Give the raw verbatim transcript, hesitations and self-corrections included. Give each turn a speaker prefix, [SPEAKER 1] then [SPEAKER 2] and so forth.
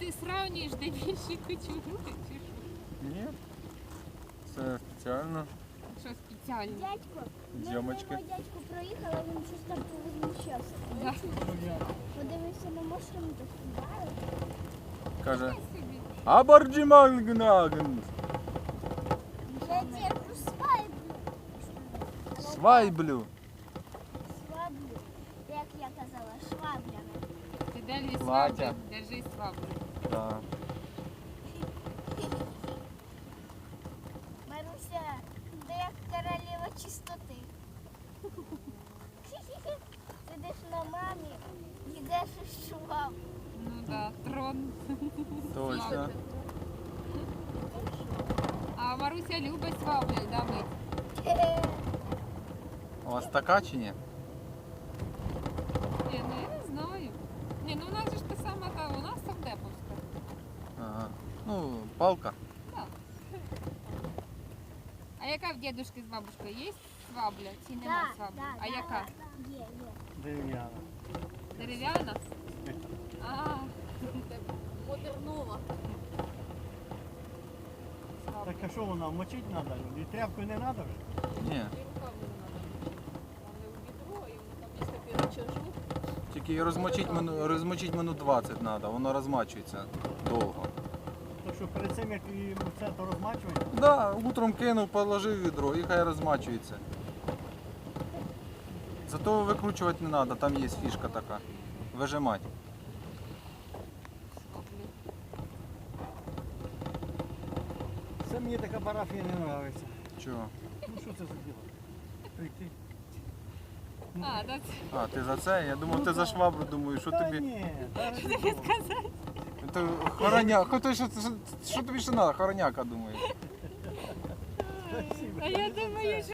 [SPEAKER 1] ти сравнюєш, де більше кучугури, чи що?
[SPEAKER 2] Ні. Це спеціально.
[SPEAKER 1] Що спеціально?
[SPEAKER 3] Дядько,
[SPEAKER 2] Зйомочки.
[SPEAKER 3] ми мимо дядьку проїхали, він щось там повозмущався.
[SPEAKER 1] Да.
[SPEAKER 3] Подивився на машину, то співає.
[SPEAKER 2] Каже,
[SPEAKER 1] Собі.
[SPEAKER 2] Абарджімангнаген.
[SPEAKER 3] Я дядьку свайблю.
[SPEAKER 2] Свайблю.
[SPEAKER 3] Сваблю. Як я казала, шваблями.
[SPEAKER 1] Ти далі
[SPEAKER 2] Платя.
[SPEAKER 1] сваблю, держи сваблю.
[SPEAKER 2] Так.
[SPEAKER 3] Маруся, ти як королева чистоти. Сидиш на мамі, їдеш із шваб.
[SPEAKER 1] Ну да, трон.
[SPEAKER 2] Точно.
[SPEAKER 1] А Маруся любить сваблю, да, ми?
[SPEAKER 2] У вас така чи ні?
[SPEAKER 1] Ні, ну я не знаю. Ні, ну у нас же ж та сама, та, у нас совдеповська.
[SPEAKER 2] Ага. Ну, палка.
[SPEAKER 1] Так. А яка в дідушки з бабушкою? Є свабля чи нема свабля? А яка?
[SPEAKER 3] Є, є.
[SPEAKER 4] Дерев'яна.
[SPEAKER 1] Дерев'яна? А, модернова.
[SPEAKER 4] Так а що вона, мочить треба? І тряпкою не треба вже?
[SPEAKER 2] Ні. Тільки її розмочить, мину- розмочить минут двадцять треба, воно розмачується довго.
[SPEAKER 4] То що перед цим як і це то розмачує?
[SPEAKER 2] Да, утром кинув, положив в відро і хай розмачується. Зато викручувати не треба, там є фішка така. Вижимати.
[SPEAKER 4] Це мені така парафія не подобається.
[SPEAKER 2] Чого?
[SPEAKER 4] Ну що це за діло? Прийти.
[SPEAKER 1] А, да, це
[SPEAKER 2] А, ти за це? Я думав, ти за швабру, думаю, що
[SPEAKER 4] Та
[SPEAKER 2] тобі.
[SPEAKER 4] ні, та ради Бога.
[SPEAKER 1] сказати.
[SPEAKER 2] То хороня... Хто, що, що, що тобі ще треба? Хороняка, думаю.
[SPEAKER 4] Спасибо.
[SPEAKER 1] А я думаю,